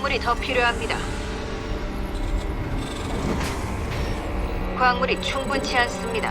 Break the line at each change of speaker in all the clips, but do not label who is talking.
광물이 더 필요합니다. 광물이 충분치 않습니다.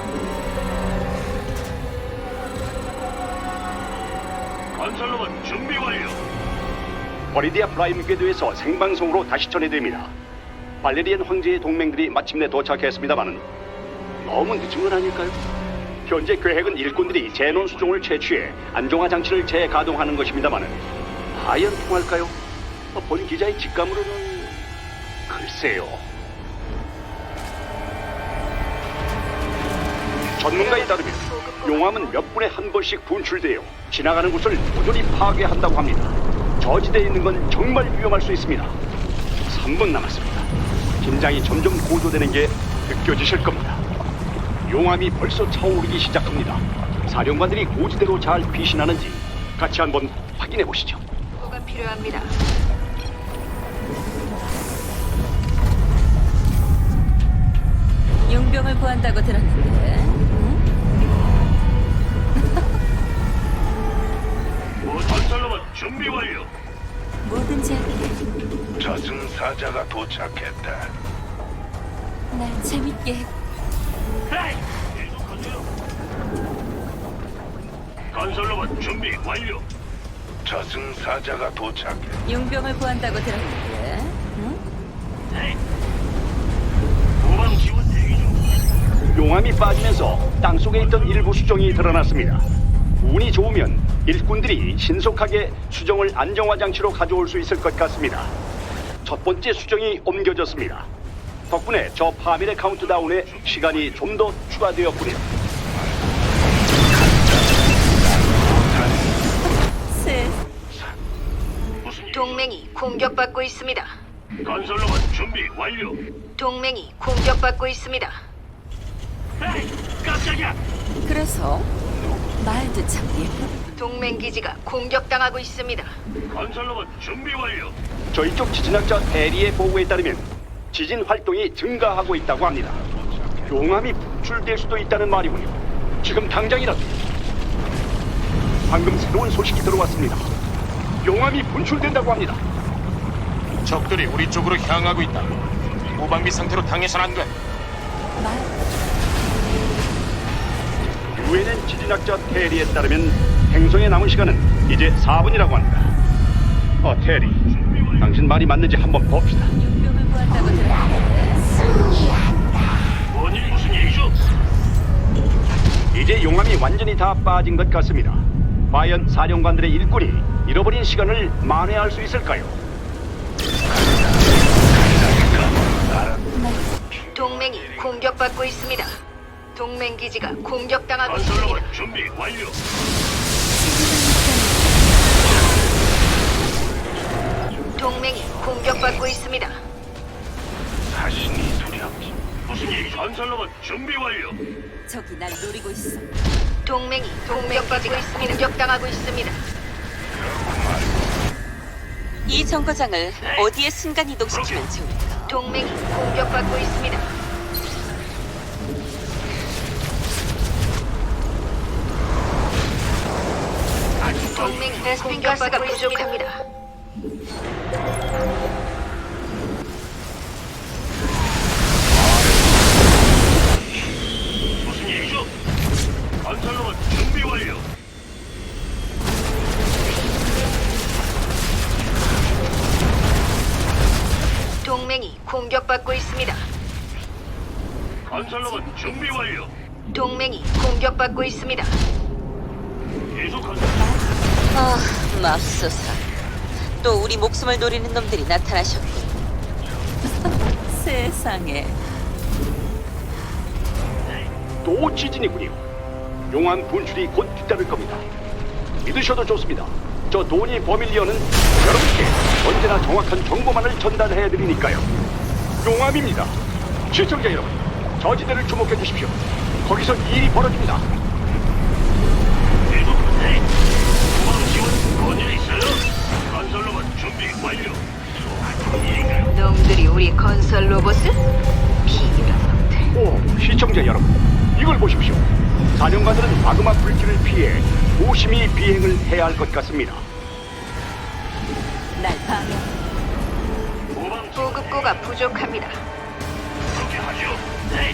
건설로봇 준비 완료.
버리디아 프라임 궤도에서 생방송으로 다시 전해드립니다. 발레리안 황제의 동맹들이 마침내 도착했습니다마는 너무 늦은 건 아닐까요? 현재 계획은 일꾼들이 제논 수종을 채취해 안정화 장치를 재가동하는 것입니다마는 과연 통할까요? 본 기자의 직감으로는 글쎄요. 전문가에 따르면 용암은 몇 분에 한 번씩 분출되어 지나가는 곳을 모조리 파괴한다고 합니다. 저지대에 있는 건 정말 위험할 수 있습니다. 3분 남았습니다. 긴장이 점점 고조되는 게 느껴지실 겁니다. 용암이 벌써 차오르기 시작합니다. 사령관들이 고지대로 잘 피신하는지 같이 한번 확인해 보시죠.
뭐가 필요합니다.
용병을 구한다고 들었는데.
건설로봇 준비 완료.
뭐든지 할게.
저승사자가 도착했다.
날 재밌게 해.
헤이! 계속하세요. 건설로봇 준비 완료. 저승사자가 도착해.
용병을 구한다고 들었는데.
헤이! 후방 지원 대기 중.
용암이 빠지면서 땅속에 있던 일부 수정이 드러났습니다. 운이 좋으면 일꾼들이 신속하게 수정을 안정화 장치로 가져올 수 있을 것 같습니다. 첫 번째 수정이 옮겨졌습니다. 덕분에 저 파밀의 카운트다운에 시간이 좀 더 추가되었군요.
셋.
무슨 일?
동맹이 공격받고 있습니다.
건설로봇 준비 완료.
동맹이 공격받고 있습니다.
헤이! 깜짝이야.
그래서 말도 참 예뻐.
동맹 기지가 공격당하고 있습니다.
건설로봇 준비 완료.
저희 쪽 지진학자 대리의 보고에 따르면 지진 활동이 증가하고 있다고 합니다. 용암이 분출될 수도 있다는 말이군요. 지금 당장이라도. 방금 새로운 소식이 들어왔습니다. 용암이 분출된다고 합니다.
적들이 우리 쪽으로 향하고 있다. 무방비 상태로 당해선 안 돼.
말.
유엔엔 지진학자 테리에 따르면 행성에 남은 시간은 이제 4분이라고 합니다. 테리, 당신 말이 맞는지 한번 봅시다.
용병을 구한다고 들었는데.
무슨 일이죠?
이제 용암이 완전히 다 빠진 것 같습니다. 과연 사령관들의 일꾼이 잃어버린 시간을 만회할 수 있을까요?
동맹이 공격받고 있습니다. 동맹 기지가 공격당하고 있습니다.
건설로봇 준비 완료.
동맹이 공격받고 있습니다.
자신이 두렵지. 무슨 일이죠? 건설로봇 준비 완료.
저기 날 노리고 있어.
동맹이 공격받고 있습니다. 공격당하고 있습니다.
이 정거장을 어디에 순간 이동시키면 좋을까?
동맹이 공격받고 있습니다. 동맹이 공격받고 부족합니다.
무슨 일이죠? 건설로봇 준비 완료.
동맹이 공격받고 있습니다.
건설로봇 준비 완료.
동맹이 공격받고 있습니다.
계속하세요.
아, 맙소사. 또 우리 목숨을 노리는 놈들이 나타나셨군.
세상에.
또 지진이군요. 용암 분출이 곧 뒤따를 겁니다. 믿으셔도 좋습니다. 저 도니 버밀리언은 여러분께 언제나 정확한 정보만을 전달해 드리니까요. 용암입니다. 시청자 여러분, 저지대를 주목해 주십시오. 거기서 일이 벌어집니다.
계속하세요. 후방 지원 뭔일 있어요? 건설로봇 준비 완료. 일인가요?
놈들이 우리 건설 로봇을 비밀한 놈들.
오, 시청자 여러분, 이걸 보십시오. 사령관들은 마그마 불길을 피해 조심히 비행을 해야 할 것 같습니다.
날 방해.
인구가 부족합니다.
그렇게 하죠. 네.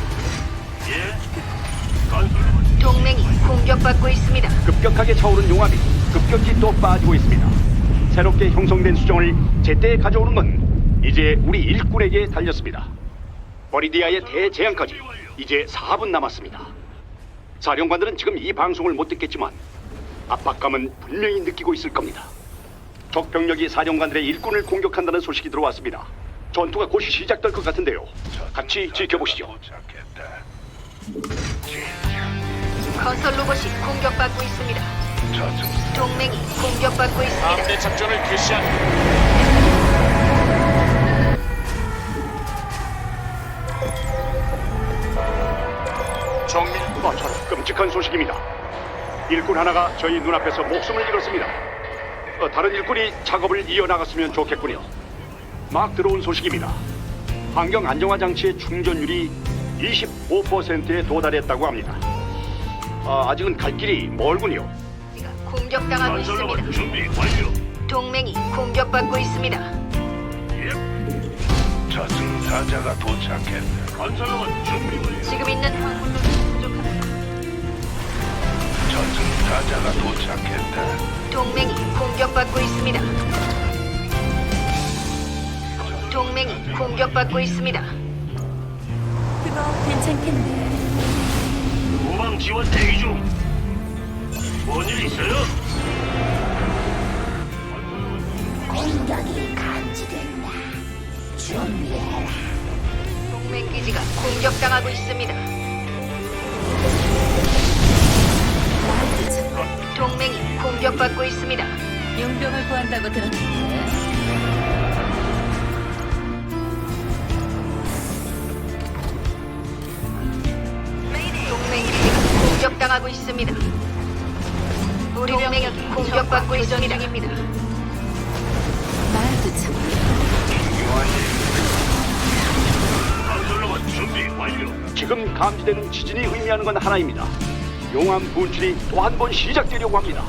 예. 건설로봇
동맹이 공격받고 있습니다.
급격하게 차오른 용암이 급격히 또 빠지고 있습니다. 새롭게 형성된 수정을 제때 가져오는 건 이제 우리 일꾼에게 달렸습니다. 버리디아의 대재앙까지 이제 4분 남았습니다. 사령관들은 지금 이 방송을 못 듣겠지만 압박감은 분명히 느끼고 있을 겁니다. 적 병력이 사령관들의 일꾼을 공격한다는 소식이 들어왔습니다. 전투가 곧 시작될 것 같은데요. 같이 지켜보시죠.
건설 로봇이 공격받고 있습니다. 동맹이 공격받고 있습니다.
함대 작전을 개시한. 정밀
저런 끔찍한 소식입니다. 일꾼 하나가 저희 눈앞에서 목숨을 잃었습니다. 다른 일꾼이 작업을 이어나갔으면 좋겠군요. 막 들어온 소식입니다. 환경 안정화 장치의 충전율이 25%에 도달했다고 합니다. 아직은 갈 길이 멀군요.
공격당하고 있습니다.
건설로봇 준비 완료.
동맹이 공격받고 있습니다.
예. 저승사자가 도착했다. 건설로봇 준비 완료.
지금 있는 광물로는 부족합니다.
저승사자가 도착했다.
동맹이 공격받고 있습니다. 동맹이 공격받고 있습니다.
그거 괜찮겠네.
후방 지원 대기 중. 뭔일 있어요?
동맹 기지가 공격당하고 있습니다. 동맹이 공격받고 있습니다.
용병을 구한다고 들었는데.
동맹 기지가 공격당하고 있습니다. 우리 동맹이 공격받고 있습니다.
말도 참.
건설로봇 준비 완료.
지금 감지되는 지진이 의미하는 건 하나입니다. 용암 분출이 또 한 번 시작되려고 합니다.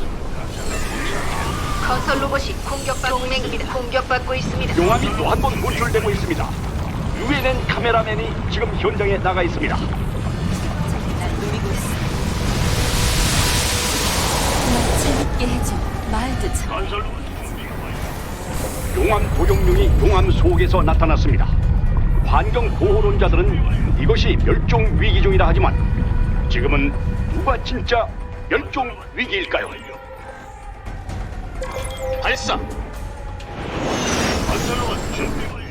건설 로봇이 동맹이 공격받고 있습니다.
용암이 또 한 번 분출되고 있습니다. 유엔엔 카메라맨이 지금 현장에 나가 있습니다.
날 노리고 있어. 날 재밌게 해줘. 말도 참.
건설로봇 준비 완료.
용암 도용룡이 용암 속에서 나타났습니다. 환경 보호론자들은 이것이 멸종 위기종이라 하지만 지금은 누가 진짜 멸종 위기일까요?
발사.
건설로봇 준비 완료.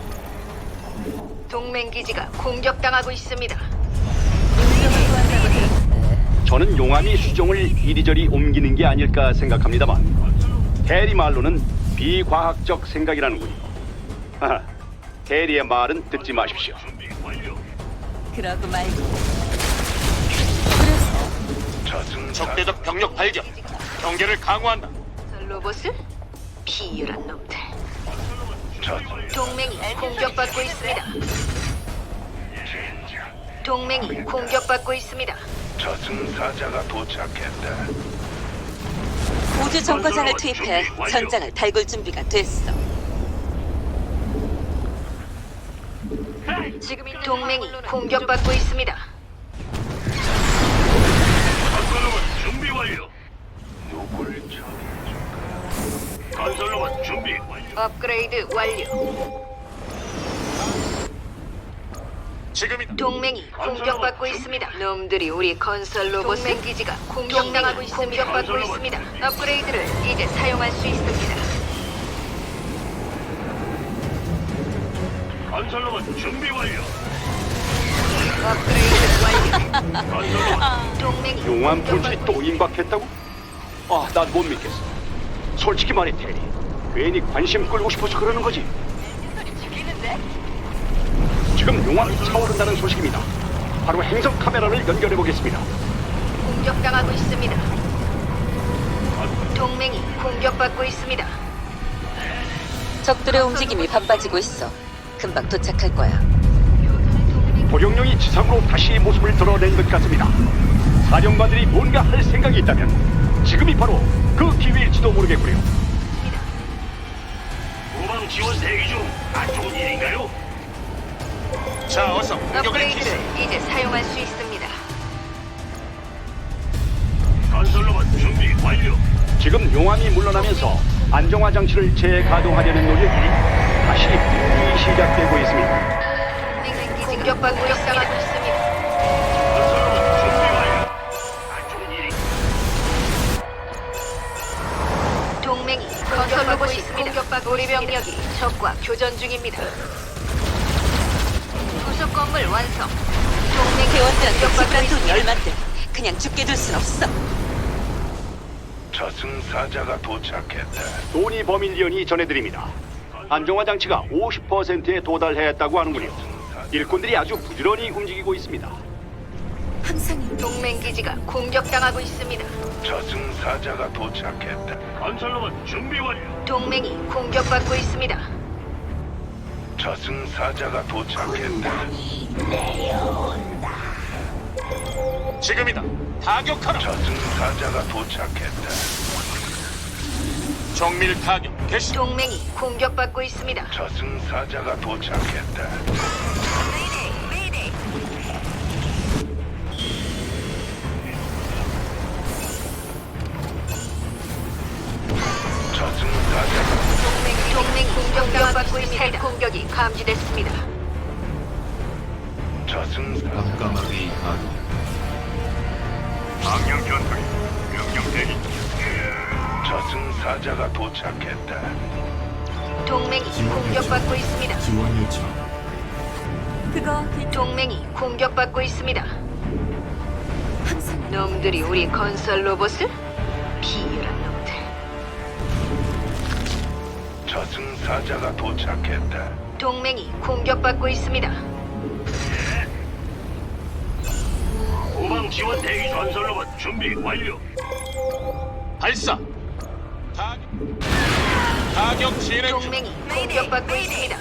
동맹 기지가 공격당하고 있습니다.
용병을 구한다고 들었는데.
저는 용암이 수종을 이리저리 옮기는 게 아닐까 생각합니다만 대리 말로는 비과학적 생각이라는군요. 하하, 대리의 말은 듣지 마십시오.
준비 완료.
그러고 말고.
적대적 병력 발견. 경계를 강화한다.
건설 로봇을 비열한 놈들. 동맹이 공격받고 있습니다. 동맹이 공격받고 있습니다.
저승사자가 도착했다.
우주 정거장을 투입해 전장을 달굴 준비가 됐어.
지금 동맹이 공격받고 있습니다.
건설로봇 준비 완료. 누굴 처리해줄까? 건설로봇 준비 완료.
업그레이드 완료.
지금이다.
동맹이 공격받고 있습니다. 놈들이 우리 건설 로봇 동맹 기지가 공격당하고 있습니다. 공격받고 있습니다. 업그레이드를 이제 사용할 수 있습니다.
건설로봇 준비 완료.
업그레이드 완료.
건설로봇
동맹이
용암 분출이 또 임박했다고? 난 못 믿겠어. 솔직히 말해 테리, 괜히 관심 끌고 싶어서 그러는 거지. 지금 용암이 차오른다는 소식입니다. 바로 행성 카메라를 연결해 보겠습니다.
공격당하고 있습니다. 동맹이 공격받고 있습니다.
적들의 움직임이 바빠지고 있어. 금방 도착할 거야.
도룡령이 지상으로 다시 모습을 드러낸 것 같습니다. 사령관들이 뭔가 할 생각이 있다면 지금이 바로 그 기회일지도 모르겠고요.
후방 지원 대기 중. 안 좋은 일인가요?
자, 어서 공격을 기시.
업그레이드를 이제 사용할 수 있습니다.
건설로봇 준비 완료.
지금 용암이 물러나면서 안정화 장치를 재가동하려는 노력이 다시 분명히 시작되고 있습니다.
공격받고 있습니다.
건설로봇 준비 완료. 안 좋은 일이.
동맹이 건설 로봇이 공격받고 우리 병력이 적과 교전 중입니다. 부속 건물 완성. 동맹
대원들한테
공격받고
집간 돈이
있습니다.
얼만데 그냥 죽게 둘 순 없어.
저승사자가 도착했다.
도니 버밀리언이 전해드립니다. 안정화 장치가 50%에 도달했다고 하는군요. 일꾼들이 아주 부지런히 움직이고 있습니다.
항상
동맹 기지가 공격당하고 있습니다.
저승사자가 도착했다. 건설로봇 준비 완료.
동맹이 공격받고 있습니다.
저승사자가 도착했다.
지금이다. 타격하라.
저승사자가 도착했다.
정밀 타격 개시.
동맹이 공격받고 있습니다.
저승사자가 도착했다. 저승사자가
동맹 공격받고 있습니다. 공격이 감지됐습니다.
저승사
깜깜하게 가동.
망령 전투기 명령 대기. 저승사자가 도착했다.
동맹이 공격받고 있습니다.
지원 요청.
그거
동맹이 공격받고 있습니다.
항상
놈들이 우리 건설 로봇을? 비열한 놈들.
저승사자가 도착했다.
동맹이 공격받고 있습니다.
후방 지원 대기. 건설로봇 준비 완료.
발사. 타격 진행 중.
동맹이 공격받고 있습니다.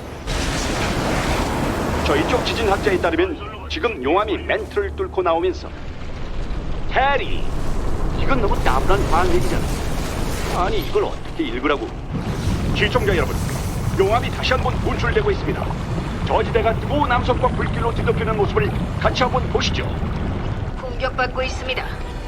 저희 쪽 지진학자에 따르면 지금 용암이 멘트를 뚫고 나오면서 해리, 이건 너무 따분한 반얘기잖아. 아니 이걸 어떻게 읽으라고. 시청자 여러분, 용암이 다시 한번 분출되고 있습니다. 저지대가 또 남성과 불길로 뒤덮이는 모습을 같이 한번 보시죠.
공격받고 있습니다.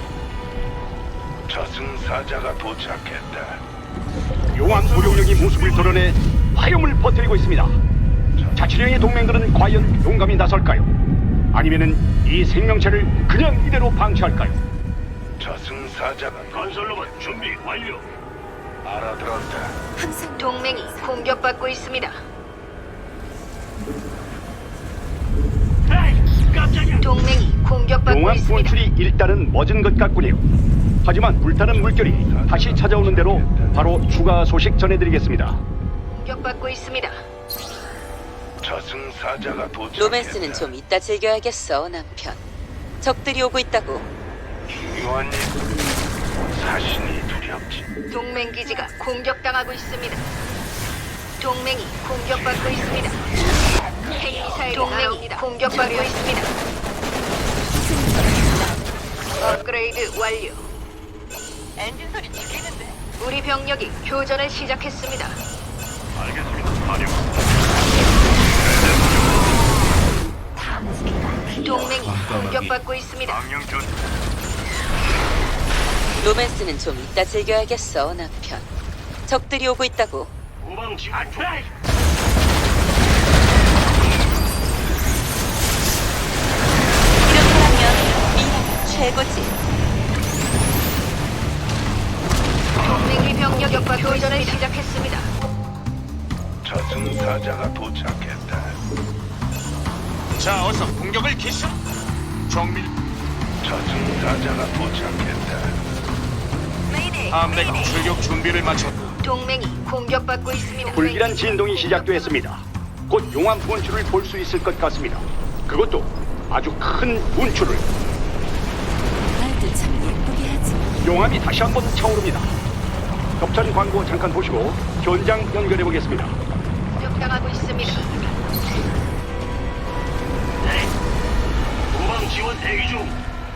저승사자가 도착했다.
용암 무력력이 모습을 드러내 화염을 퍼뜨리고 있습니다. 자치령의 동맹들은 과연 용감히 나설까요? 아니면은 이 생명체를 그냥 이대로 방치할까요?
저승사자가 건설로봇 준비 완료. 알아들었다.
항상
동맹이 공격받고 있습니다.
에이, 깜짝이야.
동맹이 공격받고
용암
있습니다.
분출이 일단은 멎은 것 같군요. 하지만 불타는 물결이 다시 찾아오는 대로 바로 추가 소식 전해드리겠습니다.
공격받고 있습니다.
저승사자가 도착했다.
로맨스는 좀 이따 즐겨야겠어, 남편. 적들이 오고 있다고.
중요한 일. 사신이 두렵지.
동맹 기지가 공격당하고 있습니다. 동맹이 공격받고 있습니다. 핵미사일이 동맹이 공격받고 있습니다. 업그레이드 완료. 엔진 소리 죽이는데. 우리 병력이 교전을 시작했습니다.
알겠습니다. 사령.
동맹이 공격받고 있습니다.
망령 전투.
로맨스는 좀 이따 즐겨야겠어, 남편. 적들이 오고 있다고.
후방 지원. 에이,
이렇게 하면 미라가 최고지.
동맹이 병력과 교전을 시작했습니다.
저승사자가 도착했다.
자, 어서 공격을 기시. 정밀
저승사자가 도착했다.
함대가 출격 준비를 마쳤다.
동맹이 공격받고 있습니다.
불길한 진동이 시작됐습니다. 곧 용암 분출을 볼 수 있을 것 같습니다. 그것도 아주 큰 분출을.
말도 참 예쁘게 하지.
용암이 다시 한번 차오릅니다. 겹찬 광고 잠깐 보시고 현장 연결해 보겠습니다.
공격당하고 있습니다.
후방 지원 대기 중.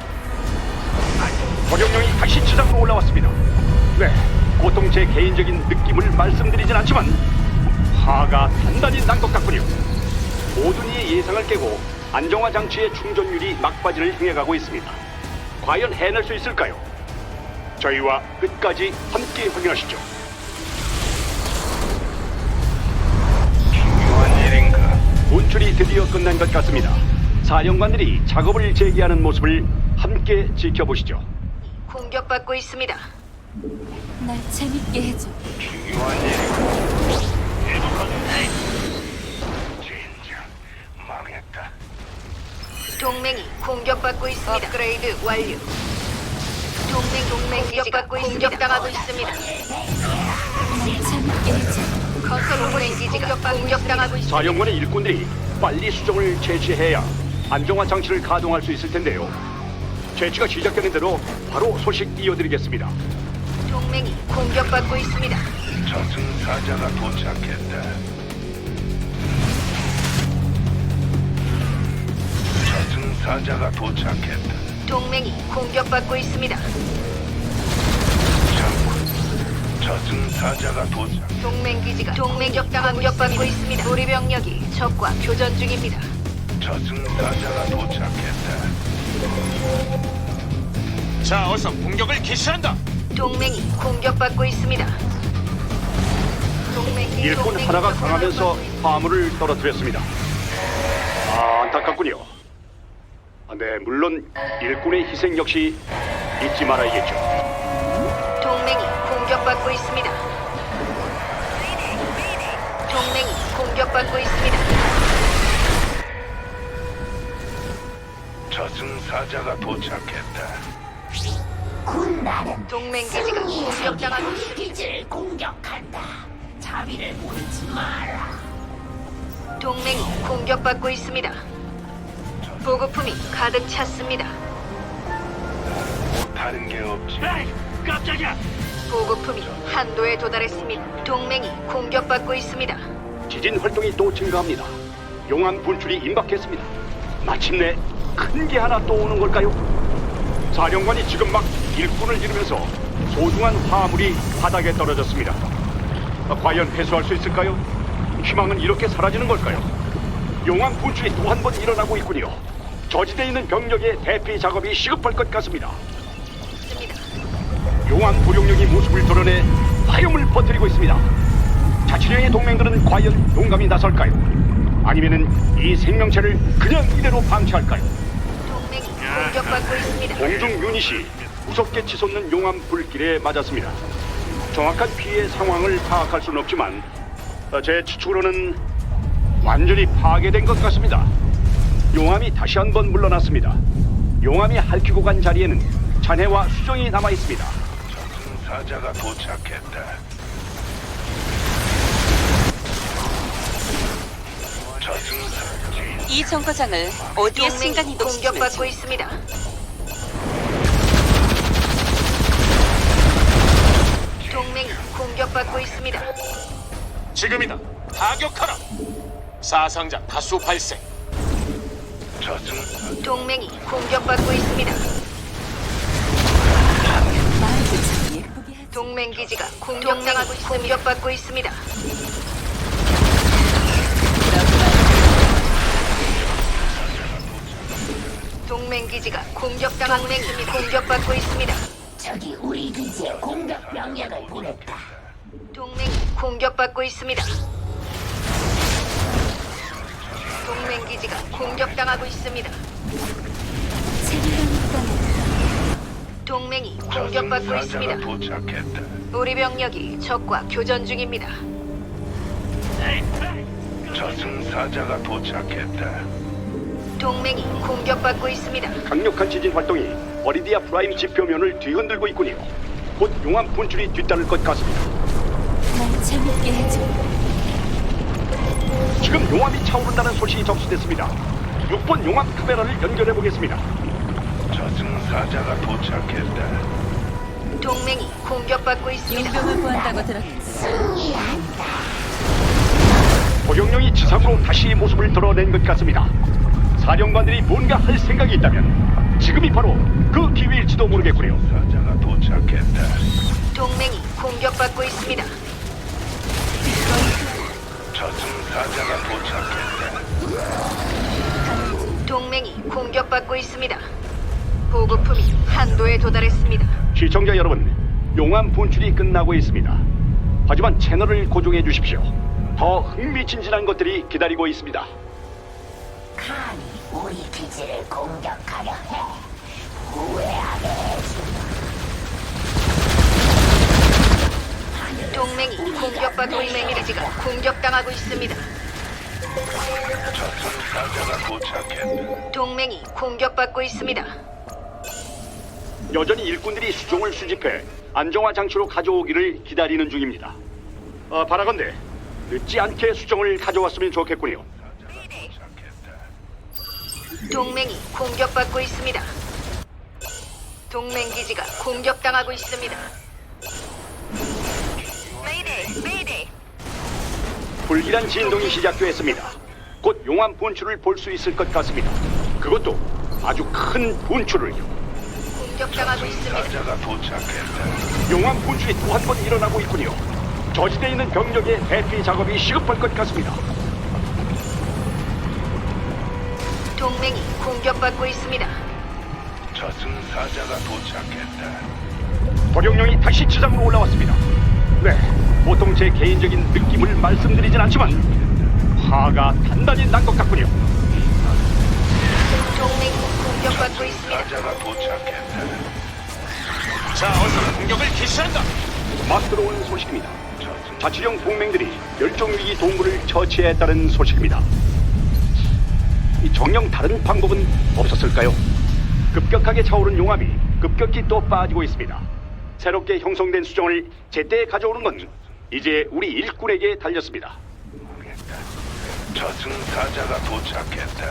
도령령이 다시 지상으로 올라왔습니다. 네, 보통 제 개인적인 느낌을 말씀드리진 않지만 파가 단단히 난 것 같군요. 모든 이의 예상을 깨고 안정화 장치의 충전율이 막바지를 향해 가고 있습니다. 과연 해낼 수 있을까요? 저희와 끝까지 함께 확인하시죠.
중요한 일인가?
분출이 드디어 끝난 것 같습니다. 사령관들이 작업을 재개하는 모습을 함께 지켜보시죠.
공격받고 있습니다.
날 재밌게 해줘.
중요한 일인가? 계속하자. 진짜 망했다.
동맹이 공격받고 있습니다. 업그레이드 완료. 동맹 기지가 공격당하고 있습니다.
날 재밌게 해줘.
건설 로봇 기지가 공격당하고 있습니다.
사령관의 일꾼들이 빨리 수정을 채취해야 안정화 장치를 가동할 수 있을 텐데요. 채취가 시작되는 대로 바로 소식 이어드리겠습니다.
동맹이 공격받고 있습니다.
저승사자가 도착했다. 저승사자가 도착했다.
동맹이 공격받고 있습니다.
장군, 저승사자가 도착.
동맹 기지가 공격받고 있습니다. 우리 병력이 적과 교전 중입니다.
저승사자가 도착했다.
자, 어서 공격을 개시한다.
동맹이 공격받고 있습니다.
일꾼 하나가 강하면서 화물을 떨어뜨렸습니다. 안타깝군요. 네, 물론 일꾼의 희생 역시 잊지 말아야겠죠.
동맹이 공격받고 있습니다. 동맹이 공격받고 있습니다.
저승사자가 도착했다.
동맹 기지가 공격당하고 있습니다.
기지를 공격한다. 자비를 보이지 마라.
동맹이 공격받고 있습니다. 보급품이 가득 찼습니다.
다른 게 없지. 에이, 깜짝이야.
보급품이 한도에 도달했습니다. 동맹이 공격받고 있습니다.
지진 활동이 또 증가합니다. 용암 분출이 임박했습니다. 마침내 큰 게 하나 또 오는 걸까요? 사령관이 지금 막 일꾼을 지르면서 소중한 화물이 바닥에 떨어졌습니다. 과연 회수할 수 있을까요? 희망은 이렇게 사라지는 걸까요? 용암 분출이 또 한 번 일어나고 있군요. 저지대에 있는 병력의 대피 작업이 시급할 것 같습니다. 용암 보룡령이 모습을 드러내 화염을 퍼뜨리고 있습니다. 자치령의 동맹들은 과연 용감히 나설까요? 아니면은 이 생명체를 그냥 이대로 방치할까요?
동맹이 공격받고 있습니다.
공중 유닛이 무섭게 치솟는 용암 불길에 맞았습니다. 정확한 피해 상황을 파악할 수는 없지만 제 추측으로는 완전히 파괴된 것 같습니다. 용암이 다시 한번 물러났습니다. 용암이 핥히고 간 자리에는 잔해와 수정이 남아 있습니다.
저승사자가 도착했다. 저승사자.
이 정거장을 어디에 순간
동맹이
이동시키면
공격받고 있습니다. 동맹이 공격받고 있습니다.
지금이다. 타격하라. 사상자 다수 발생.
저승사자.
동맹이 공격받고 있습니다.
말도 참 예쁘게 하지.
동맹 기지가 공격받고 있습니다. 동맹 기지가 공격받고 있습니다.
적이 우리 기지에 공격 명령을 보냈다.
동맹이 공격받고 있습니다. 동맹 기지가 공격당하고 있습니다.
재미난 땅에
동맹이 공격받고
저승사자가
있습니다.
도착했다.
우리 병력이 적과 교전 중입니다.
저승사자가 도착했다.
동맹이 공격받고 있습니다.
강력한 지진 활동이 어리디아 프라임 지표면을 뒤흔들고 있군요. 곧 용암 분출이 뒤따를 것 같습니다.
날 재밌게 해줘.
지금 용암이 차오른다는 소식이 접수됐습니다. 6번 용암 카메라를 연결해 보겠습니다.
저승사자가 도착했다.
동맹이 공격받고 있습니다.
용병을 구한다고 들었는데
보령령이 지상으로 다시 모습을 드러낸 것 같습니다. 사령관들이 뭔가 할 생각이 있다면 지금이 바로 그 기회일지도 모르겠군요.
사자가 도착했다.
동맹이 공격받고 있습니다.
저승사자가 도착했다.
동맹이 공격받고 있습니다. 보급품이 한도에 도달했습니다.
시청자 여러분, 용암 분출이 끝나고 있습니다. 하지만 채널을 고정해 주십시오. 더 흥미진진한 것들이 기다리고 있습니다.
감히 우리 기지를 공격하려 해. 후회하게 해주마.
동맹이 공격받고 있는 기지가 공격당하고 있습니다.
저승사자가 도착했다.
동맹이 공격받고 있습니다.
여전히 일꾼들이 수종을 수집해 안정화 장치로 가져오기를 기다리는 중입니다. 바라건대 늦지 않게 수정을 가져왔으면 좋겠군요.
동맹이 공격받고 있습니다. 동맹 기지가 공격당하고 있습니다.
불길한 진동이 시작되었습니다. 곧 용암 분출을 볼 수 있을 것 같습니다. 그것도 아주 큰 분출을요.
공격당하고 있습니다.
사자가 도착했다.
용암 분출이 또 한 번 일어나고 있군요. 저지대에 있는 병력의 대피 작업이 시급할 것 같습니다.
동맹이 공격받고 있습니다.
저승사자가 도착했다.
도룡령이 다시 지상으로 올라왔습니다. 네, 보통 제 개인적인 느낌을 말씀드리진 않지만 화가 단단히 난 것 같군요.
동맹이 공격받고 있습니다.
사자가 도착했다.
자, 어서 공격을 개시한다.
막 들어온 소식입니다. 자치령 동맹들이 멸종위기 동물을 처치했다는 소식입니다. 이 정녕 다른 방법은 없었을까요? 급격하게 차오른 용암이 급격히 또 빠지고 있습니다. 새롭게 형성된 수정을 제때 가져오는 건 이제 우리 일꾼에게 달렸습니다.
저승사자가 도착했다.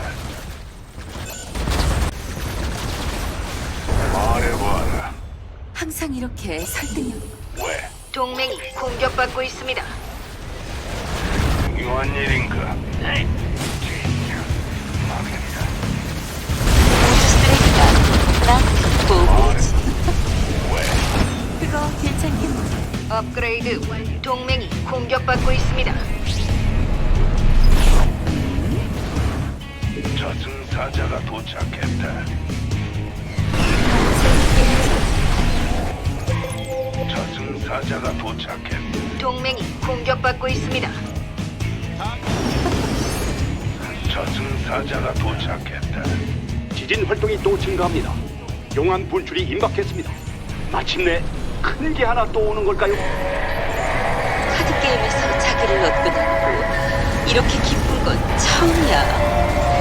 말해봐라.
항상 이렇게 설득력.
왜?
동맹이 공격받고 있습니다.
중요한 일인가? 망했다.
쓰레기가 나 보고지.
그거 괜찮겠네.
업그레이드 완료. 동맹이 공격받고 있습니다.
저승사자가 도착했다. 저승사자가 도착했다.
동맹이 공격받고 있습니다.
저승사자가 도착했다.
지진 활동이 또 증가합니다. 용암 분출이 임박했습니다. 마침내 큰 게 하나 또 오는 걸까요?
카드 게임에서 자기를 얻고 나고 이렇게 기쁜 건 처음이야.